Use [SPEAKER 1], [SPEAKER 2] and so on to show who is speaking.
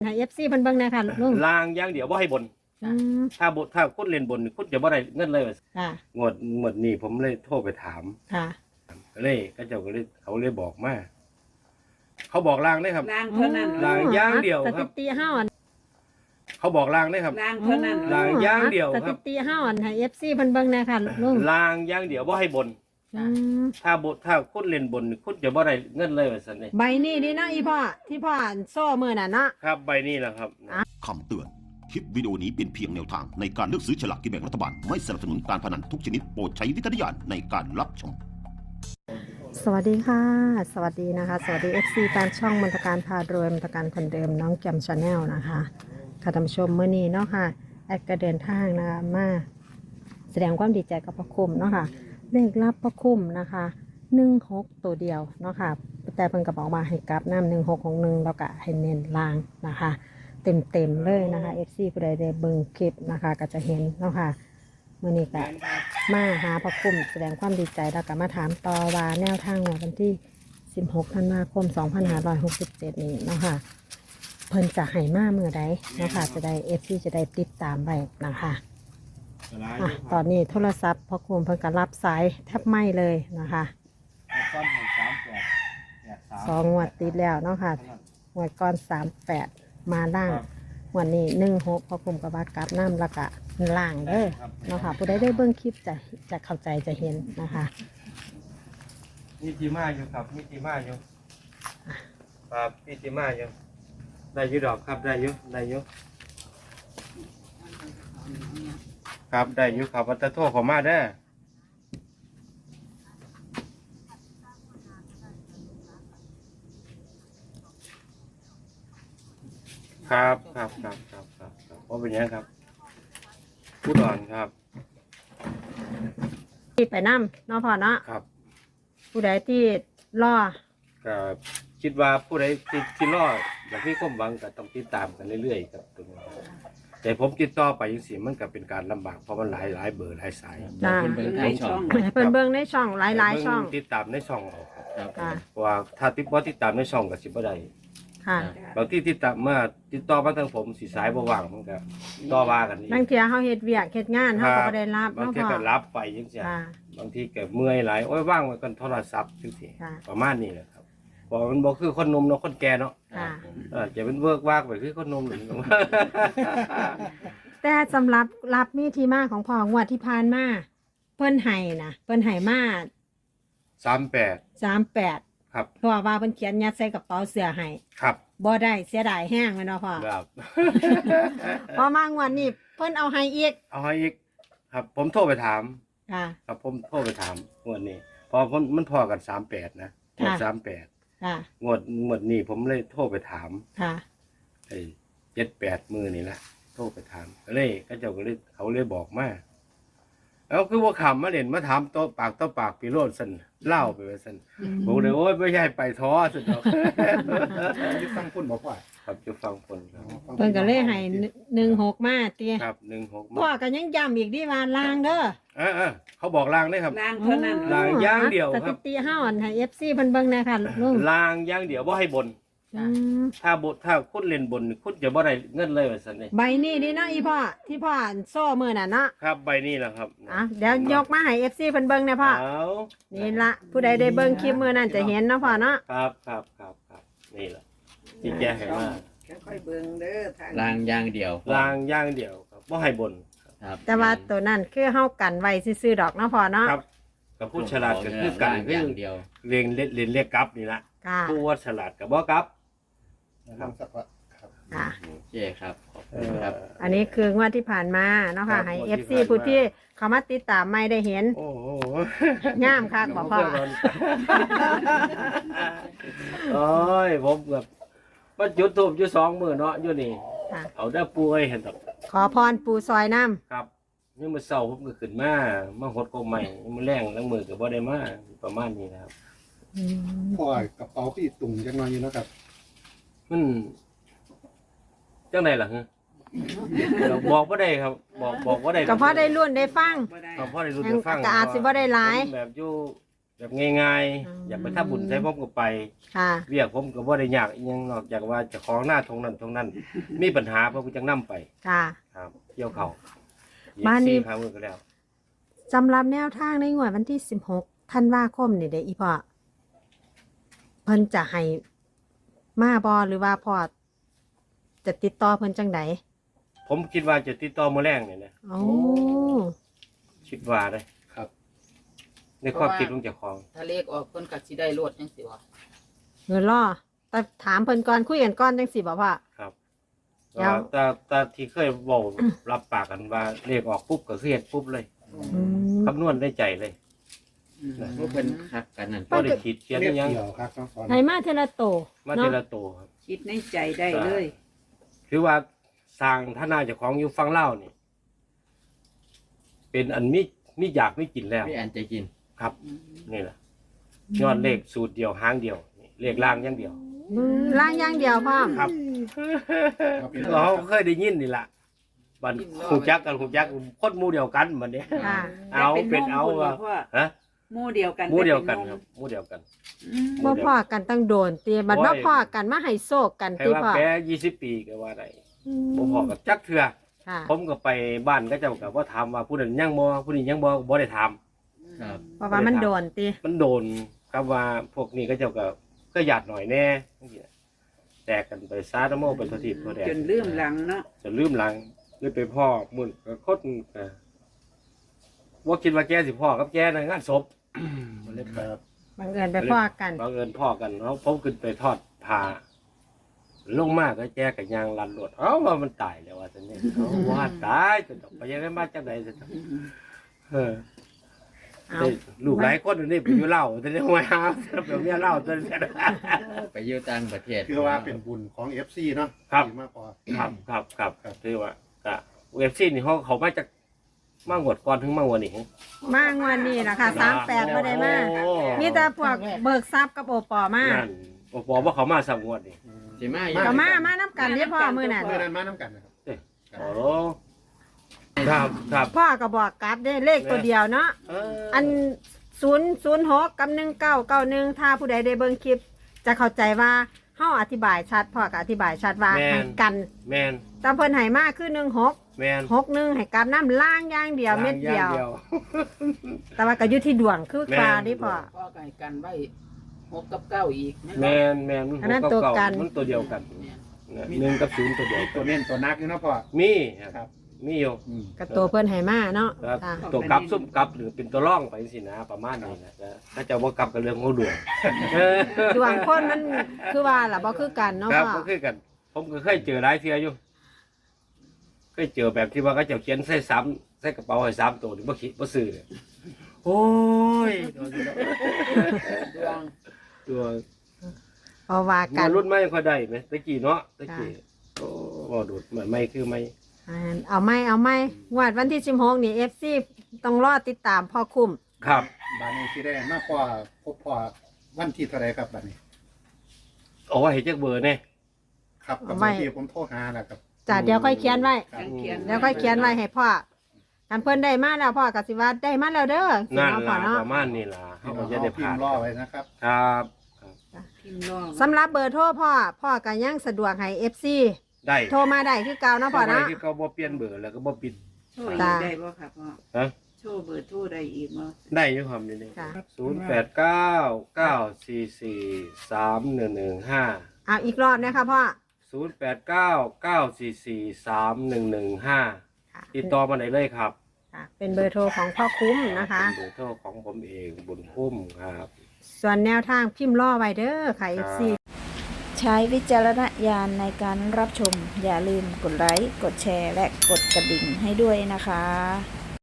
[SPEAKER 1] ให้FC เพิ่นเบิ่งแน่ค่ะลุง
[SPEAKER 2] ลางอย่างเดียวบ่ให้บนถ้าคุณเล่นบนคุณจะบ่ได้เงินเลย
[SPEAKER 1] ค่ะ
[SPEAKER 2] งวดนี้ผมเลยโทรไปถาม
[SPEAKER 1] ค่ะ
[SPEAKER 2] เลยเขาเขาเลยบอกมาเขาบอกลางได้ครับ
[SPEAKER 3] ลางเท่านั้น
[SPEAKER 2] ลางอย่างเดียวค
[SPEAKER 1] ส
[SPEAKER 2] รั
[SPEAKER 1] ถิ
[SPEAKER 2] บ
[SPEAKER 1] ติเฮาอัน
[SPEAKER 2] เขาบอกลางได้ครับ
[SPEAKER 3] ลางเท่านั้น
[SPEAKER 2] ลางอย่างเดียว
[SPEAKER 1] ส
[SPEAKER 2] ครับ
[SPEAKER 1] ถิติเฮาอันให้ FC เพิ่นเบิ่งแน่ค่ะลุง
[SPEAKER 2] ลางอย่างเดียวบ่ให้บนถ้าคุณเล่นบนคุณจะบ่ได้เงินเลยว่าซั่นนี่
[SPEAKER 1] ใบนี้นี่นะอีพ่อที่พ่ออ่านโซ่มื้อน่ะเนาะ
[SPEAKER 2] ครับใบนี้แหละครับ
[SPEAKER 4] คำเตือนคลิปวิดีโอนี้เป็นเพียงแนวทางในการเลือกซื้อฉลากกินแบ่งรัฐบาลไม่สนับสนุนการพนันทุกชนิดโปรดใช้วิจารณญาณในการรับชม
[SPEAKER 1] สวัสดีค่ะสวัสดีนะคะสวัสดี FC แฟนช่องมนตการพารวยมนตการคนเดิมน้องแกมชาแนลนะคะค่ะท่านผู้ชมมื้อนี้เนาะค่ะแอดก็เดินทางนะคะมาแสดงความดีใจกับพระคุมเนาะค่ะเลขรับพระคุมนะคะ16ตัวเดียวเนาะค่ะแต่เพิ่นก็บอกมาให้กลับน้ำ1661แล้วก็ให้เน้นล่างนะคะเต็มเลยนะคะ FC ผู้ใดได้เบิ่งคลิปนะคะก็จะเห็นเนาะค่ะมื้อนี้ก็มาหาพระคุมแสดงความดีใจแล้วก็มาถามต่อว่าแนวทางวันที่16ธันวาคม2567นี้เนาะค่ะเพิ่นจะให้มาเมื่อใดเนาะค่ะจะได้ FC จะได้ติดตามไว้นะคะตอนนี้โทรศัพท์พระคุมเพิ่นก็รับสายแทบไม่เลยนะคะ2 งวดติดแล้วเนาะค่ะงวดก่อน38มาล่างวันนี้16พระคุมก็ว่ากลับน้ำแล้วก็ล่างเด้อเนาะค่ะผู้ใดได้เบิ่งคลิปจะเข้าใจจะเห็นนะคะ
[SPEAKER 2] มีทีมาอยู่ครับมีทีมาอยู่ครับมีทีมาอยู่ได้อยู่ดอกครับได้อยู่ครับได้อยู่ครับวัตถุขอมาได้ครับเพราะเป็นอย่างครับผู้ดอนครับ
[SPEAKER 1] ที่ไปน้ำเนาะพ่อเนาะ
[SPEAKER 2] ครับ
[SPEAKER 1] ผู้ใดที่รอ
[SPEAKER 2] ก็คิดว่าผู้ใดที่รออย่างที่ก้มหวังก็ต้องติดตามกันเรื่อยๆครับตรงนี้แต่ผมติดต่อไปยังสิมันก็เป็นการลำบากเพราะมันหลายเบอร์หลายสาย
[SPEAKER 3] เบิ่งในช่อง
[SPEAKER 1] เพิ่นเบิ่งในช่องหลายช่อง
[SPEAKER 2] ติดตามในช่องเอา
[SPEAKER 1] ครับ
[SPEAKER 2] เพราะว่าถ้าติดตามในช่องก็สิบ่ได้
[SPEAKER 1] ค่ะ
[SPEAKER 2] บางที่ติดต่อมาทางผมสิสายบ่ว่างมันก็ต่อว่ากันนี่
[SPEAKER 1] บางเที่ยเฮาเฮ็ดเวียกเฮ็ดงานเฮาก็บ่ได้รับบ
[SPEAKER 2] าง
[SPEAKER 1] เนาะ
[SPEAKER 2] ที
[SPEAKER 1] พ่อ
[SPEAKER 2] ก็รับไปจังซี่บางทีก็เมื่อยหลายโอ้ยว่างไว้กันโทรศัพท์จังซี่ประมาณนี้แหละครับเพราะมันบ่คือคนหนุ่มเนาะคนแก่เนาะจะเป็นเวิร์กวากไปคือคนหนุ่มหนึ่ง
[SPEAKER 1] แต่สำหรับรับมีที่มาของพ่องวดที่ผ่านมาเพิ่นให้มา38
[SPEAKER 2] ครับ
[SPEAKER 1] เพราะว่าเพิ่นเขียนยัดใส่กระเป๋าเสื้อให้
[SPEAKER 2] ครับ
[SPEAKER 1] บ่ได้เสียดายแห้งแม่นบ่พ่อ
[SPEAKER 2] ครับ
[SPEAKER 1] พอมางวดนี้เพิ่นเอาให้อีก
[SPEAKER 2] ครับผมโทรไปถาม
[SPEAKER 1] ค่ะ
[SPEAKER 2] ครับผมโทรไปถามงวดนี้พอมันพอกัน38นะงวด38
[SPEAKER 1] ค่ะ
[SPEAKER 2] งวดนี้ผมเลยโทรไปถาม
[SPEAKER 1] ค่ะ
[SPEAKER 2] ไอ้7-8มื้อนี่แหละโทรไปถามก็เลยเขาเลยบอกมาแล้วคือว่าขำมาเล่นมาถามต่อปากพี่โรดซั่นเล่าไปว่าซั่นบอกเลยโอ้ยไม่ใช่ไปท้อซั่นดอก
[SPEAKER 5] ที่ฟังคุณบอกว่า
[SPEAKER 2] ครับจะฟังคนครับ
[SPEAKER 1] เพิ่นก็เลยให้16มาติ
[SPEAKER 2] ครับ16
[SPEAKER 1] พ่อก็ยังย้ำอีกดิว่าล่างเด้อ
[SPEAKER 2] เขาบอกลางได้ครับ
[SPEAKER 3] ลางเท่านั้น
[SPEAKER 2] ลางอย่างเดียว
[SPEAKER 1] ค
[SPEAKER 2] ค
[SPEAKER 1] รั
[SPEAKER 2] รั
[SPEAKER 1] บบสถิติเฮาอันให้ FC เพิ่นเบิ่งแน่ค่ะลุง
[SPEAKER 2] ลางอย่างเดียวบ่ให้บนถ้าคุณเล่นบนคุณจะบ่ได้เงินเลยว่าซั่นนี่
[SPEAKER 1] ใบนี้นี่นะอีพ่อที่พ่ออ่านโซ่มื้อน่ะเนาะ
[SPEAKER 2] ครับใบนี้แหละครับ
[SPEAKER 1] เดี๋ยวยกมาให้ FC เพิ่นเบิ่งแน่พ่อนี่ละผู้ใดได้เบิ่งคลิปมื้อนั้นจะเห็นเนาะพ่อเนาะ
[SPEAKER 2] ครับนี่แหละที่แจ้งให้มา
[SPEAKER 3] ค่อยๆเบิ่งเด้อทาง
[SPEAKER 6] ลางอย่างเดียว
[SPEAKER 2] ลางอย่างเดียวครับบ่ให้บน
[SPEAKER 6] ครับ
[SPEAKER 1] แต่ว่าตัวนั้นคือเฮากันไว้ซื่อๆดอกเนาะพ่อเนาะ
[SPEAKER 2] ครับกับผู้ฉลาดก็คือกัน
[SPEAKER 6] อย่างเดียว
[SPEAKER 2] เรียกกลับนี่ละผู้ว่าฉลาดก็บ่กลับ
[SPEAKER 5] นะครับ
[SPEAKER 1] ค่ะ
[SPEAKER 6] โอเคครับขอบคุณครับ
[SPEAKER 1] อันนี้คืองวดที่ผ่านมาเนาะค่ะให้ FC ผู้ที่เขามาติดตามไม่ได้เห็น
[SPEAKER 2] โอ้โห
[SPEAKER 1] งามคักบ่พ่อ
[SPEAKER 2] โอ้ยผมแบบว่าจุดทูบอยู่2 มื้อเนาะอยู่นี่เอาได้ปูให้เห็นดอก
[SPEAKER 1] ขอพรปูซอยน้ำ
[SPEAKER 2] ครับนี่มื้อเช้าผมก็ขึ้นมาหดกบใหม่มื้อแรงแล้วมื้อก็บ่ได้มาประมาณนี้นะครับ
[SPEAKER 5] พ่อกระเป๋าพี่ตุ่งจังหน่อยอยู่นะครับ
[SPEAKER 2] มันจังไดล่ะฮะบอกบ่ได้ครับบอกบ่ได้
[SPEAKER 1] ก็พอได้รุ่นได้ฟัง
[SPEAKER 2] ก็พอได้รุ่นได้ฟัง
[SPEAKER 1] ก็อาจสิบ่ได้หลาย
[SPEAKER 2] แบบอยู่แบบง่ายๆอยากไปทำบุญใช้ผมก็ไป
[SPEAKER 1] ค่ะ
[SPEAKER 2] เรียกผมก็บ่ได้ยากอิหยังนอกจากว่าเจะของหน้าตรงนั้น มีปัญหาเพราะกูจังนํไป
[SPEAKER 1] ค่ะ
[SPEAKER 2] ครับเกี่ยวเขา
[SPEAKER 1] บ้านนี้
[SPEAKER 2] 4 5มื้อก็แล้ว
[SPEAKER 1] สำหรับแนวทางในงวดวันที่16ธันวาคมนี่เด้ออีพ่อเพิ่นจะให้มาบ่หรือว่าพ่อจะติดต่อเพิ่นจังได
[SPEAKER 2] ผมคิดว่าจะติดต่อมื้อแรงนี่นะ
[SPEAKER 1] โอ้
[SPEAKER 2] คิดว่าเด้
[SPEAKER 5] ครับ
[SPEAKER 2] ในความคิดของเจ้าของ
[SPEAKER 7] ถ้าเลขออกเพิ่นก็สิได้รวดจังสิวะ
[SPEAKER 1] เงินรอแต่ถามเพิ่นก่อนคุยกันก่อนจังสิบ่พ่อ
[SPEAKER 2] ครับ
[SPEAKER 1] แล้ว
[SPEAKER 2] แต่ที่เคยเว้ารับปากกันว่าเลขออกปุ๊บก็คือเฮ็ดปุ๊บเลย
[SPEAKER 1] อืม
[SPEAKER 2] คำนวณได้ใจเลย
[SPEAKER 6] พวกเป็นคักกันนั่น
[SPEAKER 2] บ่ได้คิดเขียน
[SPEAKER 5] เรีย
[SPEAKER 2] อิ
[SPEAKER 5] ก
[SPEAKER 2] หยัง
[SPEAKER 5] เดี่ยวครับน้องฟอน
[SPEAKER 1] ให้มาเทอละโต
[SPEAKER 2] มา
[SPEAKER 1] เนาะ
[SPEAKER 2] ทีละตัวครับ
[SPEAKER 3] คิดในใจได้เลย
[SPEAKER 2] คือว่าสร้างท่านาเจ้าของอยู่ฝั่งลาวนี่เป็นอันมีอยากไม่กินแล้ว
[SPEAKER 6] ไม่อันใจกิน
[SPEAKER 2] ครับนี่แหละยอดเลขสูตรเดียวหางเดียวนี่เลขล่างอย่างเดียว
[SPEAKER 1] ล่างอย่างเดียวพ่อ
[SPEAKER 2] ครับ เราเคยได้ยินนี่ล่ะบันหูจักกันคนหมู่เดียวกันบัดนี้
[SPEAKER 1] ค่ะ
[SPEAKER 2] เอาเป็นเอา
[SPEAKER 3] ว่า
[SPEAKER 2] ว่าฮะ
[SPEAKER 3] หมู่เดียวกัน
[SPEAKER 2] หมู่เดียวกันครับหมู่เดียวกัน
[SPEAKER 3] อืม
[SPEAKER 1] บ่พ่อกันตั้งโดนตีบัดบ่พ่อกันมาให้โซกกัน
[SPEAKER 2] ใคร
[SPEAKER 1] ตี
[SPEAKER 2] ว่า
[SPEAKER 1] พ่อ
[SPEAKER 2] แพ้20 ปีก็ว่าได้บ่พอกับจักเทื่อ
[SPEAKER 1] ค่ะ
[SPEAKER 2] ผมก็ไปบ้านก็เจ้าก็บ่ถามว่าผู้นั้นยังบ่ผู้นี้ยังบ่ได้ถาม
[SPEAKER 6] ครับ
[SPEAKER 1] เพราะว่ามันโดนตี
[SPEAKER 2] มันโดนครับว่าพวกนี้ก็เจ้าก็หยาดหน่อยแน่จังซี่แตกกันไปซาตะโมเป็นททิพย์ตัวแดง
[SPEAKER 3] จนลืมหลังเนาะ
[SPEAKER 2] จนลืมหลังเลยไปพ่อมุ่นก็คดว่าคิดว่าแกสิพ่อกับแกในงานศพ
[SPEAKER 5] เรียกครับ
[SPEAKER 1] บังเอิญไปพ่อกัน
[SPEAKER 2] บังเอิญพ่อกันเนาะผมขึ้นไปทอดผ้าลงมากก็แกกับยางลันรถว่ามันตายแล้วว่าซั่นนี่ว่าตายจนต้องไปยังไงมาจังได๋ซั่นเออ
[SPEAKER 1] เอา
[SPEAKER 2] ได้ลูกหลายคนนี่ไปอยู่เล่าแต่ได้ว่าหาแบบเมียเล่าจน
[SPEAKER 6] ไปอยู่ต่างประเทศ
[SPEAKER 5] คือว่าเป็นบุญของ FC เนาะ
[SPEAKER 2] ครับ
[SPEAKER 5] ดีมากพอ
[SPEAKER 2] ครับที่ว่าก็เว็บซีนี่เขามาจากมางวดก่อนถึงมางวดนี้
[SPEAKER 1] มางวันนี้นะคะ38บ่ได้มา
[SPEAKER 2] โอ้
[SPEAKER 1] มีแต่พวกเบิกทรัพย์กับโอปอมา
[SPEAKER 2] นั่นโอ้บอกว่าเขามาสามงวดนี่
[SPEAKER 6] สิมาอยู่
[SPEAKER 1] ก็มาน้ำกันเรียพ่อมื้อนั้น
[SPEAKER 5] เมื่อนั้นมาน้ำกันนะครับ
[SPEAKER 2] โอ้ครับ
[SPEAKER 1] พ่อก็บอกกลับได้เลขตัวเดียวเนาะ อัน006กับ1991ถ้าผู้ใดได้เบิ่งคลิป จะเข้าใจว่าเฮาอธิบายชัดพ่อก็อธิบายชัดว่าให้กัน
[SPEAKER 2] แมน
[SPEAKER 1] ตามเพิ่นให้มาคือ16
[SPEAKER 2] แมน
[SPEAKER 1] 61ให้กันน้ำล่างอย่างเดียวเม็ดเดียว
[SPEAKER 2] าง
[SPEAKER 1] แต่ว่าก็อยู่ที่ดวงคือ
[SPEAKER 2] แม่น
[SPEAKER 1] ปลานี่พ่อ
[SPEAKER 7] ก็ไก่กันไว้6กับ9อีก
[SPEAKER 2] แมน
[SPEAKER 1] อันนั้นตัวกัน
[SPEAKER 2] มันตัวเดียวกัน1กับ0ตัวเดียว
[SPEAKER 5] ตัวเน้นตัวนักอยู่เนาะพ่อ
[SPEAKER 2] มี
[SPEAKER 5] ครับ
[SPEAKER 2] มีอยู่
[SPEAKER 1] กับตัวเพิ่นให้มาเนาะ
[SPEAKER 2] ครับ
[SPEAKER 1] ค่ะ
[SPEAKER 2] ตัวกลับซุ่มกลับหรือเป็นตัวร่องไปสินะประมาณนี้นะถ้าจะว่ากลับกับเรื่องของดวง
[SPEAKER 1] ดวงคนมันคือว่าล่ะบ่คือกันเนาะ
[SPEAKER 2] ครับ
[SPEAKER 1] พ่อ
[SPEAKER 2] ก็คือกัน ผมก็เคยเจอหลายเทื่ออยู่เคยเจอแบบที่ว่าเขาเจะเขียนใส่ซ้ำใส่กระเป๋าให้3ตัวนี่บ่คิดบ่ซื้อเลยโอ้ย
[SPEAKER 7] ดวง
[SPEAKER 2] ตัว
[SPEAKER 1] เพราะว่ากั
[SPEAKER 2] มาน รุ่นใหม่ค่อยได้ไหมตะกี้เนาะตะกี้โอ้บ่ดูดเหมือนไม่คือไม่
[SPEAKER 1] เอาไหมงวดวันที่16นี่ FC ต้องรอติดตามพ่อคุ้ม
[SPEAKER 2] ครับ
[SPEAKER 5] บ้านนี้ที่ได้มากพ่อพบพ่อวันที่เท่าไรครับบ้านนี้
[SPEAKER 2] เอาไว้ให้จักเบอร์แน่
[SPEAKER 5] ครับกับวันที่ผมโทรหานะครับ
[SPEAKER 1] จ้ะเดี๋ยวค่อยเขียนไว้
[SPEAKER 5] ครับ
[SPEAKER 3] เขียน
[SPEAKER 1] เดี๋ยวค่อยเขียนไว้ให้พ่อกันเพิ่นได้มาแล้วพ่อก็สิว่าได้มาแล้วเด้อสิ
[SPEAKER 2] นั่น
[SPEAKER 1] เนาะพ่อ
[SPEAKER 2] ล่ะ
[SPEAKER 1] เนาะ
[SPEAKER 2] ประมาณนี้ล่ะ
[SPEAKER 5] พี่
[SPEAKER 2] เขา
[SPEAKER 5] น้
[SPEAKER 2] ก็
[SPEAKER 5] อง
[SPEAKER 2] จะ
[SPEAKER 5] เอา
[SPEAKER 2] ได้
[SPEAKER 5] พิ
[SPEAKER 2] ผ่าม น
[SPEAKER 5] พ์รอไว้นะครับ
[SPEAKER 2] ครับ
[SPEAKER 3] พิมพ์รอ
[SPEAKER 1] สำหรับเบอร์โทรพ่อก็ยังสะดวกให้ FC
[SPEAKER 2] ได้
[SPEAKER 1] โทรมาได้คือเก่าเนาะพ่อ
[SPEAKER 2] เอาไว้
[SPEAKER 1] เนาะ
[SPEAKER 2] ที่เขาบ่เปลี่ยนเบอร์แล้วก็บ่ปิด
[SPEAKER 3] โชว์อี
[SPEAKER 1] จ้ะ
[SPEAKER 3] กได้บ่ครับพ่อ
[SPEAKER 2] ฮะ
[SPEAKER 3] โชว์เบอร์โทรได้อีกบ่
[SPEAKER 2] ได้อยู่ครับนี่
[SPEAKER 1] ค่ะ
[SPEAKER 2] 0899443115
[SPEAKER 1] เอาอีกรอบนะคะพ่อ
[SPEAKER 2] 0899443115ติดต่อมาได้เลยครับ
[SPEAKER 1] ค่ะเป็นเบอร์โทรของพ่อคุ้มนะคะ
[SPEAKER 2] เป็นเบอร์โทรของผมเองบุญคุ้มครับ
[SPEAKER 1] ส่วนแนวทางพิมพ์ล่อไว้เด้อค่ะ FC
[SPEAKER 8] ใช้วิจารณญาณในการรับชม อย่าลืมกดไลค์ กดแชร์ และกดกระดิ่งให้ด้วยนะคะ